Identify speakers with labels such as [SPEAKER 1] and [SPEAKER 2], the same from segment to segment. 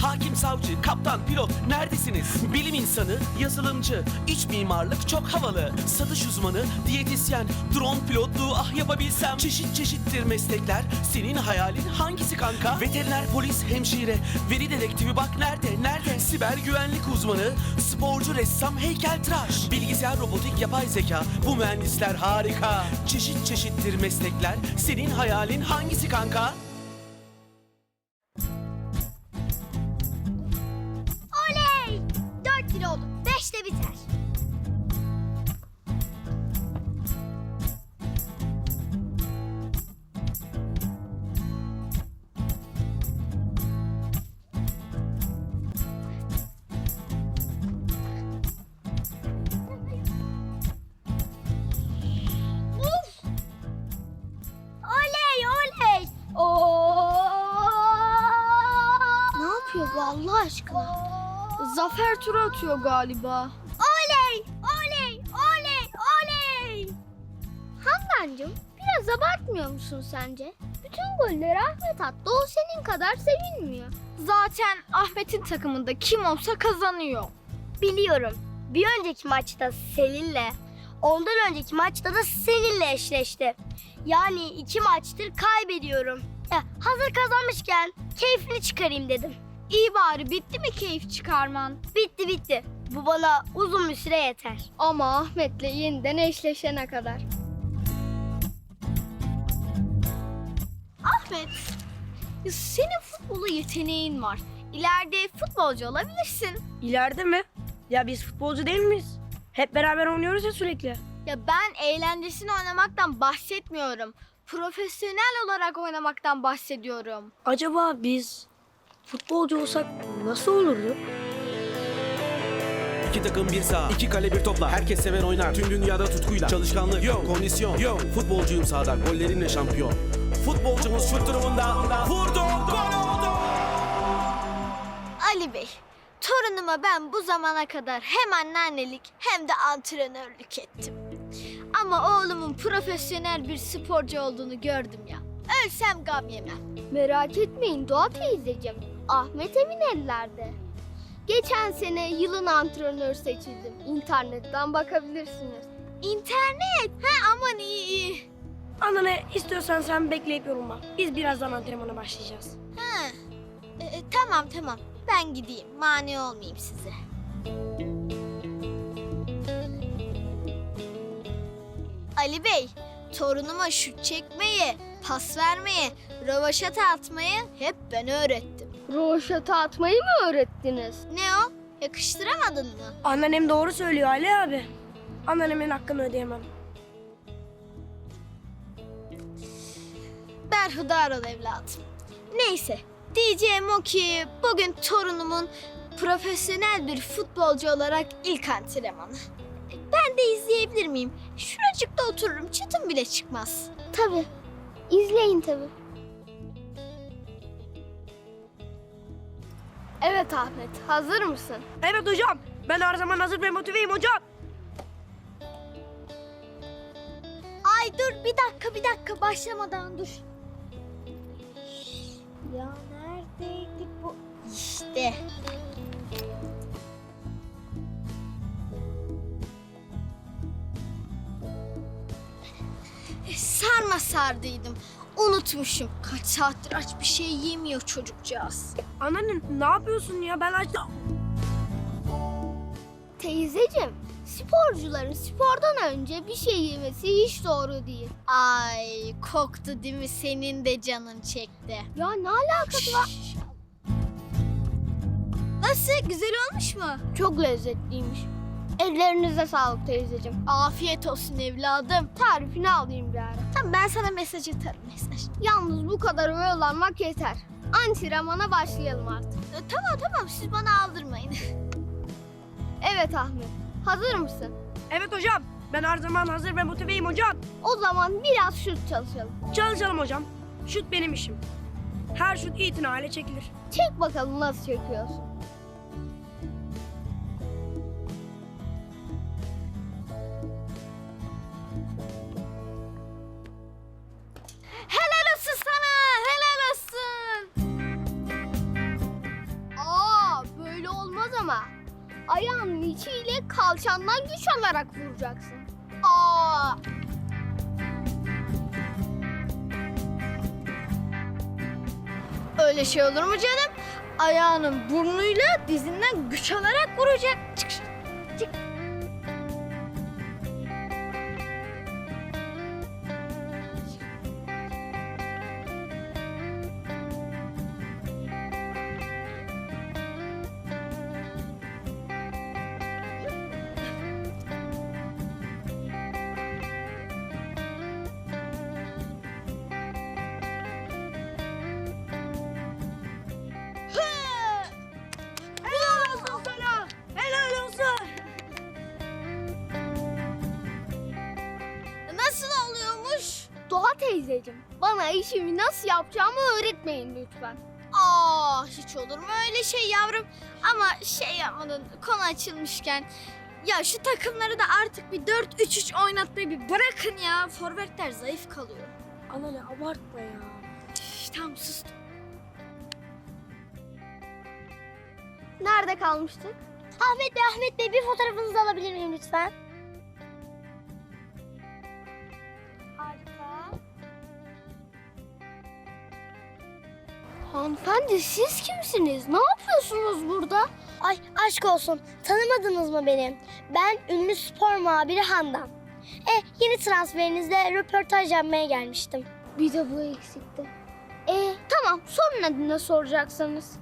[SPEAKER 1] Hakim, savcı, kaptan, pilot neredesiniz? Bilim insanı, yazılımcı, iç mimarlık çok havalı. Satış uzmanı, diyetisyen, drone pilotluğu ah yapabilsem. Çeşit çeşittir meslekler, senin hayalin hangisi kanka? Veteriner, polis, hemşire, veri dedektifi bak nerede? Siber güvenlik uzmanı, sporcu, ressam, heykeltıraş. Bilgisayar, robotik, yapay zeka, bu mühendisler harika. Çeşit çeşittir meslekler, senin hayalin hangisi kanka?
[SPEAKER 2] Oley! 4-1 oldu. 5'te biter. Uf! Oley oley! Ne yapıyor bu Allah aşkına?
[SPEAKER 3] Zafer turu atıyor galiba.
[SPEAKER 2] Oley! Oley! Oley! Oley! Handancığım biraz abartmıyor musun sence? Bütün golleri Ahmet attı. O senin kadar sevinmiyor.
[SPEAKER 3] Zaten Ahmet'in takımında kim olsa kazanıyor.
[SPEAKER 2] Biliyorum. Bir önceki maçta seninle, ondan önceki maçta da seninle eşleşti. Yani 2 maçtır kaybediyorum. Hazır kazanmışken keyfini çıkarayım dedim.
[SPEAKER 3] İyi bari, bitti mi keyif çıkarman?
[SPEAKER 2] Bitti. Bu bana uzun bir süre yeter.
[SPEAKER 3] Ama Ahmet'le yeniden eşleşene kadar. Ahmet, senin futbola yeteneğin var. İleride futbolcu olabilirsin.
[SPEAKER 4] İleride mi? Ya biz futbolcu değil miyiz? Hep beraber oynuyoruz ya sürekli.
[SPEAKER 3] Ya ben eğlencesini oynamaktan bahsetmiyorum. Profesyonel olarak oynamaktan bahsediyorum.
[SPEAKER 4] Acaba biz futbolcu olsak nasıl olurdu?
[SPEAKER 1] İki takım bir saha, iki kale bir topla. Herkes sever oynar, tüm dünyada tutkuyla. Çalışkanlık, yok, kondisyon, yok. Futbolcuyum sahada, gollerinle şampiyon. Futbolcumuz şut durumunda, vurdu, gol oldu!
[SPEAKER 3] Ali Bey, torunuma ben bu zamana kadar hem anneannelik hem de antrenörlük ettim. Ama oğlumun profesyonel bir sporcu olduğunu gördüm ya. Ölsem gam yemem.
[SPEAKER 2] Merak etmeyin Doğa teyzeciğim. Ahmet emin ellerde. Geçen sene yılın antrenörü seçildim. İnternetten bakabilirsiniz.
[SPEAKER 3] İnternet? Ha aman iyi.
[SPEAKER 4] Ana ne istiyorsan sen bekleyip yorulma. Biz birazdan antrenmana başlayacağız.
[SPEAKER 3] Ha. Tamam. Ben gideyim. Mani olmayayım size. Ali Bey, torunuma şut çekmeyi, pas vermeyi, rövaşata atmayı hep ben öğrettim.
[SPEAKER 2] Roşata atmayı mı öğrettiniz?
[SPEAKER 3] Ne o? Yakıştıramadın mı?
[SPEAKER 4] Anneannem doğru söylüyor Ali abi. Anneannemin hakkını ödeyemem.
[SPEAKER 3] Berhudar ol evladım. Neyse, diyeceğim o ki bugün torunumun profesyonel bir futbolcu olarak ilk antrenmanı. Ben de izleyebilir miyim? Şuracıkta otururum, çıtım bile çıkmaz.
[SPEAKER 2] Tabii. İzleyin tabii. Evet Ahmet, hazır mısın?
[SPEAKER 4] Evet hocam. Ben her zaman hazır ve motiveyim hocam.
[SPEAKER 3] Ay dur bir dakika başlamadan dur. Ya neredeydi bu? İşte. Sarma sardıydım. Unutmuşum. Kaç saattir aç bir şey yemiyor çocukcağız.
[SPEAKER 4] Anneanne ne yapıyorsun ya? Ben açtım.
[SPEAKER 2] Teyzeciğim, sporcuların spordan önce bir şey yemesi hiç doğru değil.
[SPEAKER 3] Ay koktu değil mi? Senin de canın çekti.
[SPEAKER 2] Ya ne alakası var?
[SPEAKER 3] Nasıl? Güzel olmuş mu?
[SPEAKER 2] Çok lezzetliymiş. Ellerinize sağlık teyzeciğim.
[SPEAKER 3] Afiyet olsun evladım.
[SPEAKER 2] Tarifini alayım bir ara.
[SPEAKER 3] Tamam ben sana mesaj atarım mesaj.
[SPEAKER 2] Yalnız bu kadar oyalanmak yeter. Antrenmana başlayalım artık.
[SPEAKER 3] Tamam siz bana aldırmayın.
[SPEAKER 2] Evet Ahmet, hazır mısın?
[SPEAKER 4] Evet hocam. Ben her zaman hazır ve motiveyim hocam.
[SPEAKER 2] O zaman biraz şut çalışalım.
[SPEAKER 4] Çalışalım hocam. Şut benim işim. Her şut itinayla çekilir.
[SPEAKER 2] Çek bakalım nasıl çekiyorsun.
[SPEAKER 3] Helal olsun sana, helal olsun. ayağının içiyle kalçandan güç alarak vuracaksın. Aa! Öyle şey olur mu canım? Ayağının burnuyla dizinden güç alarak vuracak. Çık. Çık.
[SPEAKER 4] Helal olsun sana. Helal olsun.
[SPEAKER 3] Nasıl oluyormuş? Doğa teyzeciğim, bana işimi nasıl yapacağımı öğretmeyin lütfen. Aa, hiç olur mu öyle şey yavrum? Ama şey yapmadın, konu açılmışken. Ya şu takımları da artık bir 4-3-3 oynatmayı bir bırakın ya. Forvetler zayıf kalıyor.
[SPEAKER 4] Anne abartma ya.
[SPEAKER 3] Tamam sustum. Nerede kalmıştık?
[SPEAKER 2] Ahmet Bey bir fotoğrafınızı alabilir miyim lütfen? Harika.
[SPEAKER 3] Hanımefendi siz kimsiniz? Ne yapıyorsunuz burada?
[SPEAKER 2] Ay aşk olsun. Tanımadınız mı beni? Ben ünlü spor muhabiri Handan. Yeni transferinizle röportaj yapmaya gelmiştim.
[SPEAKER 3] Bir de bu eksikti. Tamam sorun adına soracaksınız.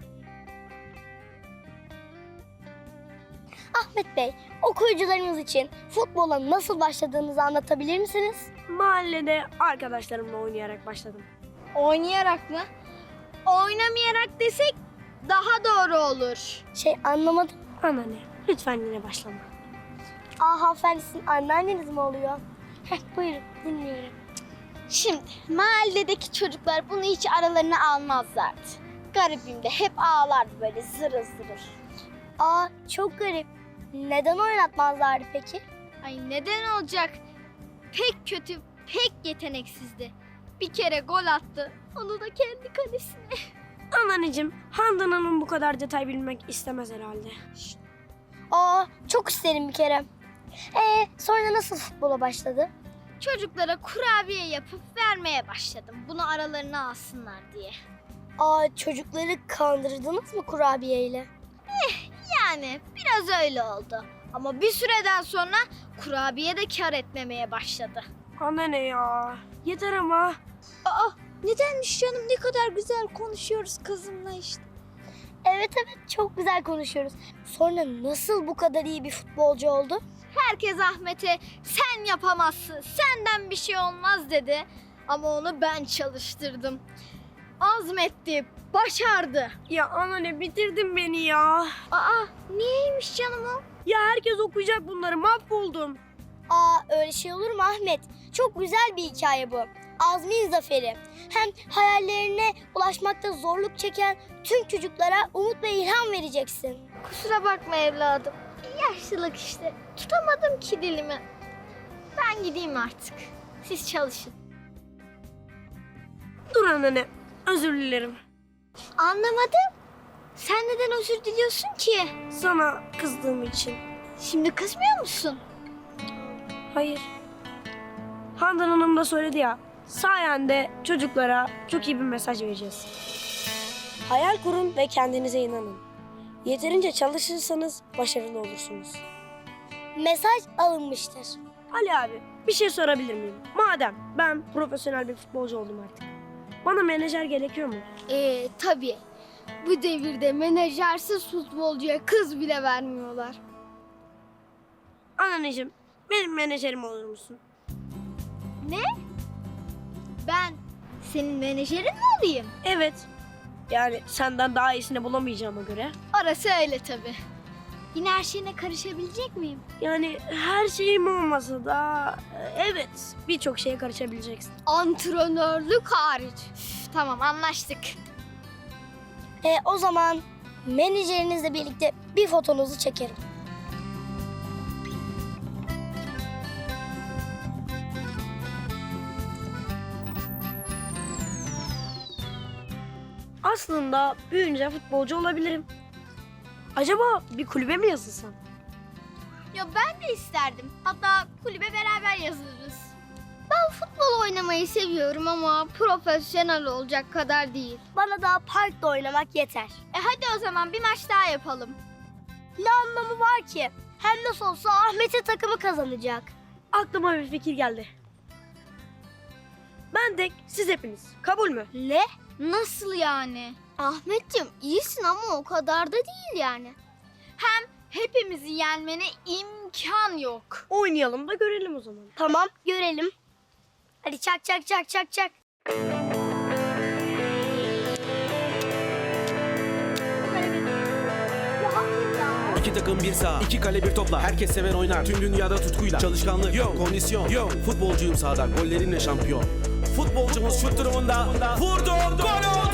[SPEAKER 2] Ahmet Bey, okuyucularımız için futbola nasıl başladığınızı anlatabilir misiniz?
[SPEAKER 4] Mahallede arkadaşlarımla oynayarak başladım.
[SPEAKER 3] Oynayarak mı? Oynamayarak desek daha doğru olur.
[SPEAKER 2] Anlamadım.
[SPEAKER 4] Anne lütfen yine başlama.
[SPEAKER 2] Hanımefendi sizin anneanneniz mi oluyor? Buyurun dinliyorum.
[SPEAKER 3] Şimdi mahalledeki çocuklar bunu hiç aralarına almazlardı. Garibim de hep ağlardı böyle zırıl zırıl.
[SPEAKER 2] Çok garip. Neden oynatmazlardı peki?
[SPEAKER 3] Ay neden olacak? Pek kötü, pek yeteneksizdi. Bir kere gol attı. Onu da kendi kalesine.
[SPEAKER 4] Anneciğim, Handan Hanım bu kadar detay bilmek istemez herhalde.
[SPEAKER 2] Çok isterim bir kere. Sonra nasıl futbola başladı?
[SPEAKER 3] Çocuklara kurabiye yapıp vermeye başladım. Bunu aralarına alsınlar diye.
[SPEAKER 2] Çocukları kandırdınız mı kurabiyeyle?
[SPEAKER 3] Yani biraz öyle oldu. Ama bir süreden sonra kurabiye de kar etmemeye başladı.
[SPEAKER 4] Anne ya. Yeter ama.
[SPEAKER 3] Nedenmiş canım, ne kadar güzel konuşuyoruz kızımla işte.
[SPEAKER 2] Evet çok güzel konuşuyoruz. Sonra nasıl bu kadar iyi bir futbolcu oldu?
[SPEAKER 3] Herkes Ahmet'e sen yapamazsın, senden bir şey olmaz dedi. Ama onu ben çalıştırdım. Azmetti, başardı.
[SPEAKER 4] Ya anne bitirdin beni ya.
[SPEAKER 3] Niyeymiş canım o?
[SPEAKER 4] Ya herkes okuyacak bunları, mahvoldum.
[SPEAKER 2] Öyle şey olur mu Ahmet? Çok güzel bir hikaye bu. Azmin zaferi. Hem hayallerine ulaşmakta zorluk çeken tüm çocuklara umut ve ilham vereceksin.
[SPEAKER 3] Kusura bakma evladım. Yaşlılık işte. Tutamadım ki dilimi. Ben gideyim artık. Siz çalışın.
[SPEAKER 4] Dur anne, özür dilerim.
[SPEAKER 3] Anlamadım. Sen neden özür diliyorsun ki?
[SPEAKER 4] Sana kızdığım için.
[SPEAKER 3] Şimdi kızmıyor musun?
[SPEAKER 4] Hayır. Handan Hanım da söyledi ya, sayende çocuklara çok iyi bir mesaj vereceğiz. Hayal kurun ve kendinize inanın. Yeterince çalışırsanız başarılı olursunuz.
[SPEAKER 2] Mesaj alınmıştır.
[SPEAKER 4] Ali abi, bir şey sorabilir miyim? Madem ben profesyonel bir futbolcu oldum artık, bana menajer gerekiyor mu?
[SPEAKER 3] Tabii. Bu devirde menajersiz futbolcuya kız bile vermiyorlar.
[SPEAKER 4] Anneciğim, benim menajerim olur musun?
[SPEAKER 3] Ne? Ben senin menajerin mi olayım?
[SPEAKER 4] Evet. Yani senden daha iyisini bulamayacağıma göre.
[SPEAKER 3] Orası öyle tabii. Yine her şeyine karışabilecek miyim?
[SPEAKER 4] Yani her şeyim olmasa da evet, birçok şeye karışabileceksin.
[SPEAKER 3] Antrenörlük hariç. Üf, tamam anlaştık.
[SPEAKER 2] O zaman menajerinizle birlikte bir fotonuzu çekerim.
[SPEAKER 4] Aslında büyüyünce futbolcu olabilirim. Acaba bir kulübe mi yazılsam?
[SPEAKER 3] Ya ben de isterdim. Hatta kulübe beraber yazılırız. Ben futbol oynamayı seviyorum ama profesyonel olacak kadar değil.
[SPEAKER 2] Bana da parkta oynamak yeter.
[SPEAKER 3] Hadi o zaman bir maç daha yapalım.
[SPEAKER 2] Ne anlamı var ki? Hem nasıl olsa Ahmet'in takımı kazanacak.
[SPEAKER 4] Aklıma bir fikir geldi. Ben tek, siz hepiniz. Kabul mü?
[SPEAKER 2] Ne?
[SPEAKER 3] Nasıl yani? Ahmetciğim iyisin ama o kadar da değil yani. Hem hepimizi yenmene imkan yok.
[SPEAKER 4] Oynayalım da görelim o zaman.
[SPEAKER 2] Tamam, görelim. Hadi çak çak çak çak çak.
[SPEAKER 1] 2 takım bir saha, 2 kale bir topla. Herkes sever oynar, tüm dünyada tutkuyla. Çalışkanlık, yok, kondisyon, yok. Futbolcuyum sahada, gollerinle şampiyon. Futbolcumuz şut durumunda. Vurdu, gol oldu.